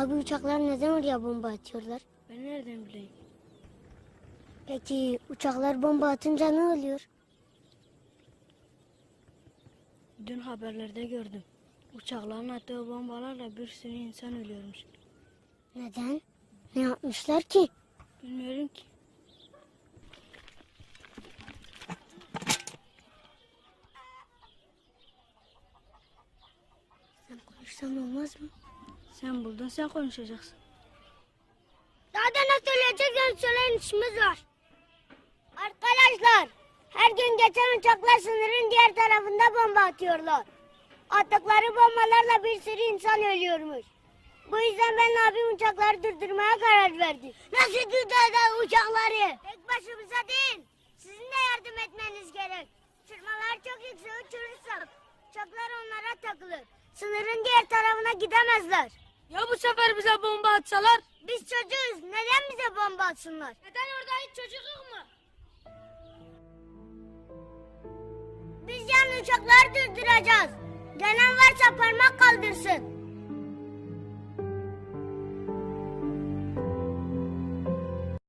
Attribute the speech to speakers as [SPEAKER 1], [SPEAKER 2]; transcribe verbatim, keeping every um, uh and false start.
[SPEAKER 1] Abi uçaklar neden oraya bomba atıyorlar?
[SPEAKER 2] Ben nereden bileyim?
[SPEAKER 1] Peki uçaklar bomba atınca ne oluyor?
[SPEAKER 2] Dün haberlerde gördüm. Uçakların attığı bombalarla bir sürü insan ölüyormuş.
[SPEAKER 1] Neden? Ne yapmışlar ki?
[SPEAKER 2] Bilmiyorum ki.
[SPEAKER 1] Sen konuşsan olmaz mı?
[SPEAKER 2] Sen buldun, sen konuşacaksın.
[SPEAKER 1] Daha da ne söyleyeceğiz? Söyleyin işimiz var. Arkadaşlar, her gün geçen uçaklar sınırın diğer tarafında bomba atıyorlar. Attıkları bombalarla bir sürü insan ölüyormuş. Bu yüzden ben abim uçakları durdurmaya karar verdi. Nasıl durduracağız uçakları? Tek başımıza değil, sizin de yardım etmeniz gerek. Uçurmalar çok yüksek uçurursak uçaklar onlara takılır. Sınırın diğer tarafına gidemezler.
[SPEAKER 2] Ya bu sefer bize bomba atsalar?
[SPEAKER 1] Biz çocuğuz, neden bize bomba atsınlar?
[SPEAKER 2] Neden orada hiç çocuk yok mu?
[SPEAKER 1] Biz yani uçakları durduracağız. Gelen varsa parmak kaldırsın.